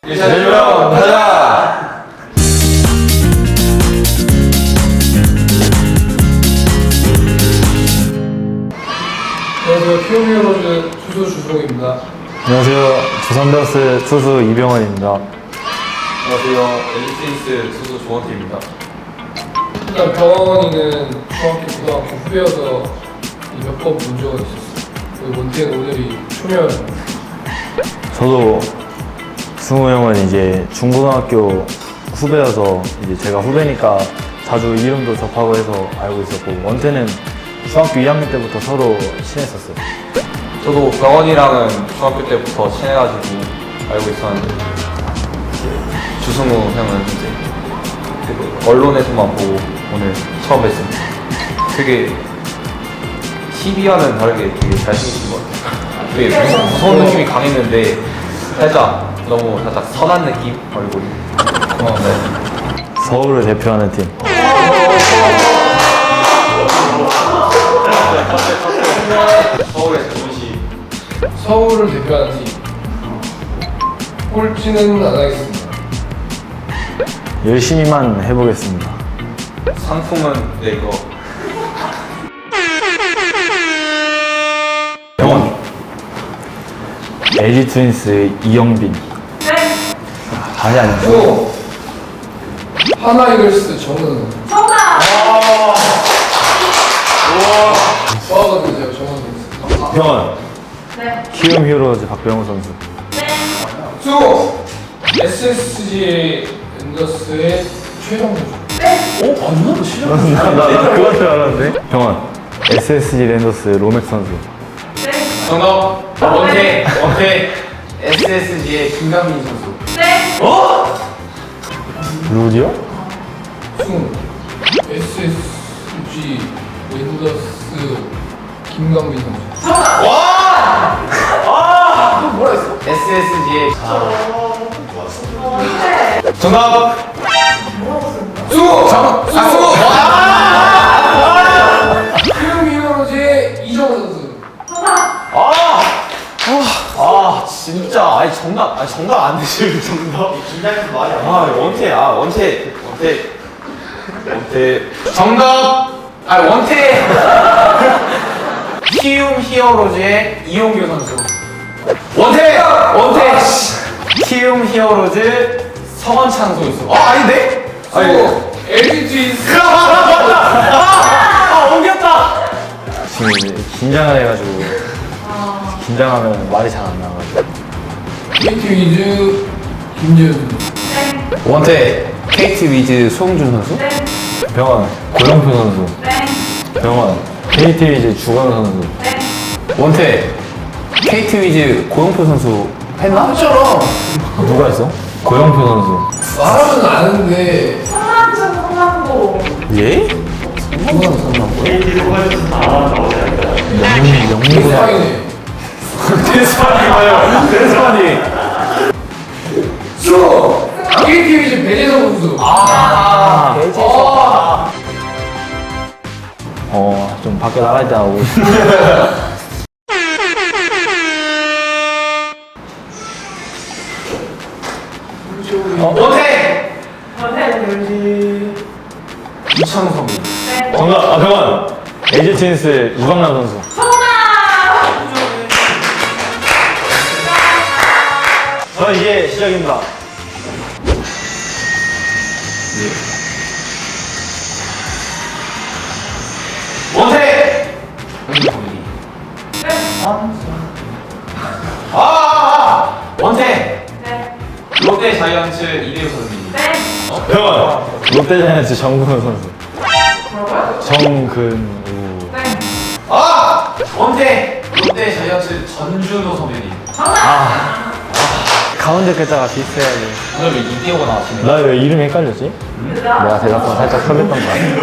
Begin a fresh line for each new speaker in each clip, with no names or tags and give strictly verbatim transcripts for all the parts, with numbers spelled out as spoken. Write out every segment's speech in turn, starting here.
일차전으로 가자!
안녕하세요. 키움히어로즈 투수 주성입니다.
안녕하세요. 두산베어스 투수 이병헌입니다.
안녕하세요. 엘리트윈스 투수 조원태입니다.
일단 병원이는 중학교, 고등학교 후배여서 몇 번 본 적은 있었어요. 그리고 원태는 오늘이 초면.
저도 승우 형은 이제 중고등학교 후배여서 이제 제가 후배니까 자주 이름도 접하고 해서 알고 있었고, 원태는 중학교 이 학년 때부터 서로 친했었어요.
저도 병원이랑은 중학교 때부터 친해가지고 알고 있었는데 주승우 형은 이제 그 언론에서만 보고 오늘 처음 뵀습니다. 되게 티비와는 다르게 되게 잘생기신 것 같아요. 되게 무서, 무서운 느낌이 강했는데 살짝 너무 살짝 선한 느낌? 얼굴이. 어, 네.
서울을 대표하는 팀.
서울의 자존심.
서울을 대표하는 팀. 꼴찌는 안 하겠습니다.
열심히만 해보겠습니다.
상품은 네 이거
병원. 엘지 트윈스 이영빈. 아니 아니.
또 하나 이글스 정은. 좋아하거든요, 제가 정은.
병원.
네.
키움 히어로즈 박병호 선수.
수 에스에스지 랜더스의 최정 선수. 오, 맞나? 너 실력.
나, 나, 나 그건 줄 알았는데. 병원. 에스에스지 랜더스 로맥 선수.
정답 원태 원태 에스에스지의 김강민 선수.
네.
룰이요?
승 에스에스지 랜더스 김강민 선수.
에스에스지의 정답
수! 장! 수! 키움 히어로즈의 이정우 선수.
아 진짜 아니 정답 아니 정답 안 되시는 정답 긴장해서 말이 안아 원태 아 원태 원태 원태 정답 아 원태 키움 히어로즈의 이용규 선수 원태 원태 키움 히어로즈 성원창 선수 아 아닌데
수! 엘지 트윈스.
아 옮겼다
지금 이제 긴장을 해가지고 긴장하면 말이 잘 안 나와가지고.
케이티 위즈 김재현 선수.
원태 케이티 위즈 송준 선수
병원 고영표 선수. 병원 케이티 위즈 주건 선수.
원태 케이티 위즈 고영표 선수 했나?
했잖아.
누가 있어? 고영표 선수.
말하면 아는데.
성남전 성남고.
예?
누가 상관없고요?
영민 영민구나.
대상이네.
대스파니가요 대스파니
수! 케이티 위즈 배재성 선수.
아
아.
어, 좀 밖에 나갈 때 하고.
원태
네.
이창섭
정답. 아 병원. 엘지 트윈스 유강남 선수. 저 이제 시작입니다.
원태 아, 아, 아 원태
네.
롯데 자이언츠 이대호 선수님
네.
병원. 롯데자이언츠 정근우 선수.
뭐라고요?
정근우.
네.
아 원태 롯데 자이언츠 전준호 선배님
가운데 글자가 비슷해야지.
오늘 왜 이대호가 나왔시네
나 왜 이름이 헷갈렸지? 내가 대답한 살짝 설렜던 거 같아.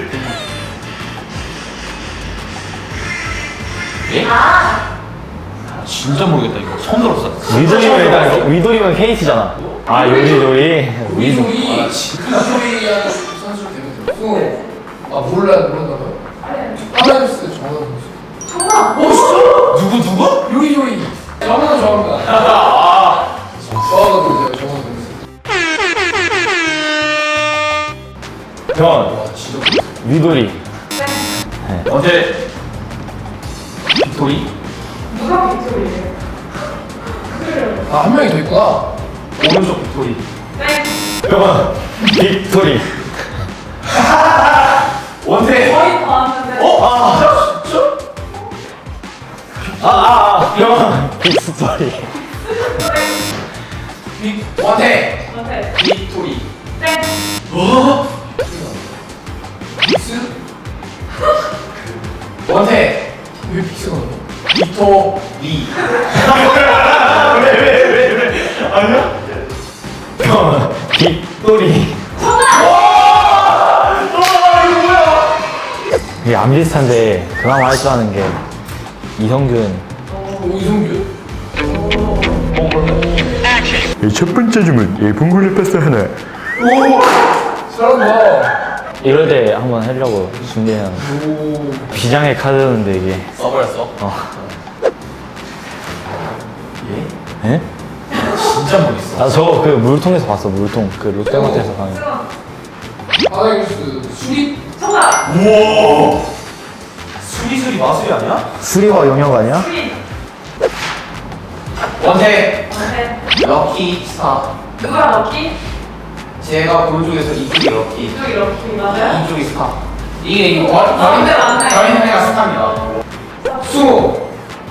예? 진짜 모르겠다 이거 처음 들었어
위도리면 일단 위도리면 케이티잖아. 아 요리조리. 위도.
위조이. 위조이하는 선수 되거든요. 수! 아, 몰라, 모르나봐요? 하나 이글스 정은 선수.
정답.
오, 진짜?
누구 누구?
요이요이. 정은 좋아합니다. 좋아하거든요, 제가 정은.
병원.
와 진짜.
위돌이.
네.
원태 빅토리
누가 빅토리예요?
아 한 명이 더 있구나.
오른쪽 빅토리
네.
병원. 빅토리.
원태
거의 다 왔는데.
어? 아
아, 아, 아. 병원. 빅스토리.
빅 원태
네.
빅토리
네.
어?
빅스?
원태
왜 빅스가 나와?
빅토리
병원. 빅토리. 이게 안 비슷한데 그나마 할 줄 아는 게 이성균.
어, 이성규?
첫 번째 주문 예, 봉골레 파스타 하나.
잘한다.
이럴 때 한번 하려고 준비해놨는데
오.
비장의 카드였는데 이게.
써버렸어
어.
얘?
예?
진짜 멋있어
나 저거 그 물통에서 봤어. 물통 그 롯데마트에서 가는.
하나뉴스 수립?
정답.
우와 수리수리 마술이 아니야?
수리와 영역 아니야?
수리.
원태
네.
럭키 스타
누가 럭키?
제가 오른쪽에서 이쪽이 럭키
이쪽이 럭키 맞아요?
이쪽이 스타 이게 이거
맞네, 맞네.
저희는 애가 스타입니다
수호.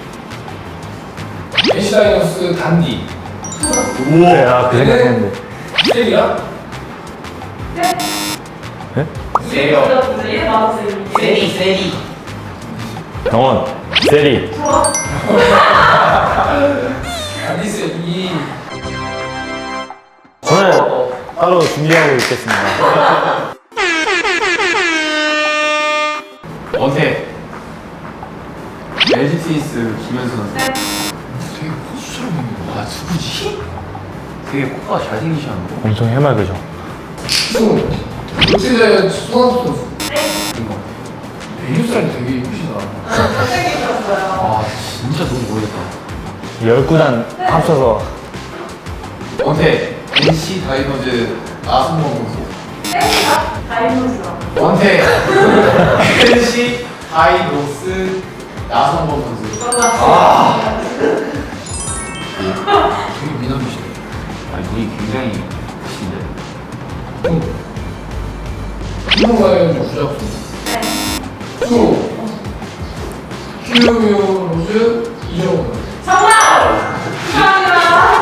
엔시다이노스 단디.
그래, 나그 생각했는데.
셀이야?
네.
예?
세려
네. 맞았어요.
세리 세리
병원. 세리.
좋아.
단디스 이.
저는 따로 준비하고 있겠습니다.
원태 엘지 트윈스 김현수 선수
네.
되게 호수처럼 생긴 거. 와 누구지?
되게 코가 잘생기셨는데
엄청 해맑으죠.
수호. 롯데자이언츠 손학규 선수.
네.
이거
메뉴 살이 되게 예쁘시다.
잘생기셨어요.
아 진짜 너무 모르겠다
열 구단 합쳐서
원태 엔씨 다이노즈 나승범 선수
땡이다. 다이노스가.
원태 엔씨 다이노스 나성범 선수
맞았어요.
되게 미남이시네.
아 눈이 굉장히 크신데
응. 신동가연 주작수.
네.
수호. 큐미오 로즈 이정훈.
정답. 축하합니다.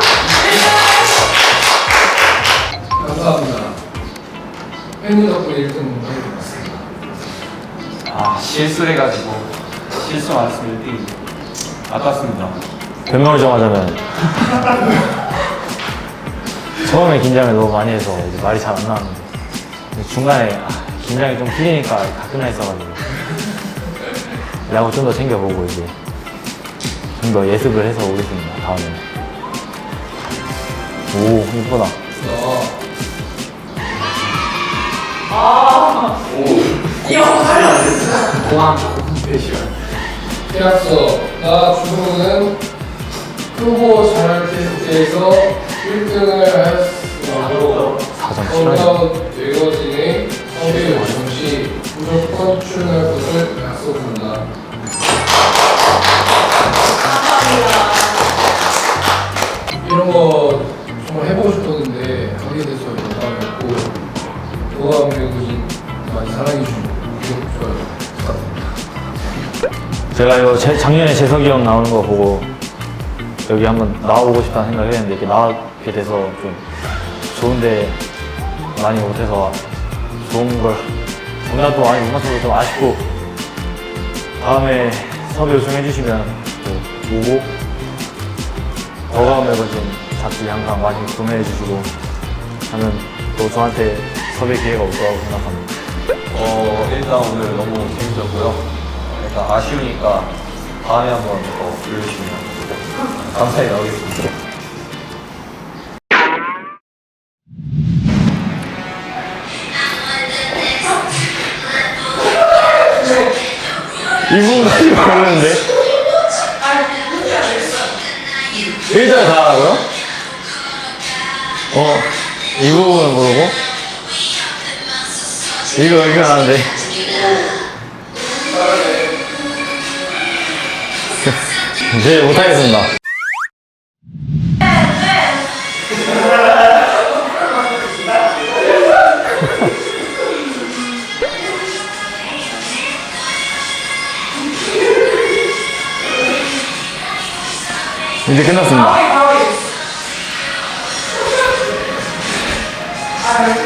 감사합니다. 팬님 덕분에 일 등 하게 되었습니다.
아 실수를 해가지고 실수 안 했으면 일 등이지 아깝습니다
변명을 좀 하자면 처음에 긴장을 너무 많이 해서 이제 말이 잘 안 나왔는데 근데 중간에 아, 긴장이 좀 풀리니까 다 끝나 있어가지고 야구 좀 더 챙겨보고 이제 좀 더 예습을 해서 오겠습니다. 다음에. 오 이쁘다.
아. 이거
공항 대시간
계약서. 나 주승우는 후보 잘할 테스트에서 일 등을 하였으므로
사점 칠하네.
건강 외거진의 섭외 요청 시 무조건 출연할 것을 약속한다. 이런 거 정말 해보고 싶었는데 하게 돼서 영광이었고 도감 외국인 많이 사랑해주시고 구독, 좋아요 부탁드립니다.
제가 이거 제, 작년에 재석이 형 나오는 거 보고 여기 한번 나와보고 싶다는 생각을 했는데 이렇게 나오게 돼서 좀 좋은데 많이 못해서 좋은 걸 정답도 많이 못 맞춰서 좀 아쉽고 다음에 섭외 요청해 주시면 또 오고 더가운 매거진 잡지 항상 많이 구매해 주시고 하면 또 저한테 섭외 기회가 올 거라고 생각합니다.
어 일단 오늘 너무 재밌었고요 일단 아쉬우니까 다음에 한번 더 불러주시면 감사히 나오겠습니다
이 부분까지 모르는데? 일 절 다 하라고요? 어, 이 부분을 모르고? 이거 이거 하는데. 네, 못하겠습니다. 이제 끝났습니다.
아,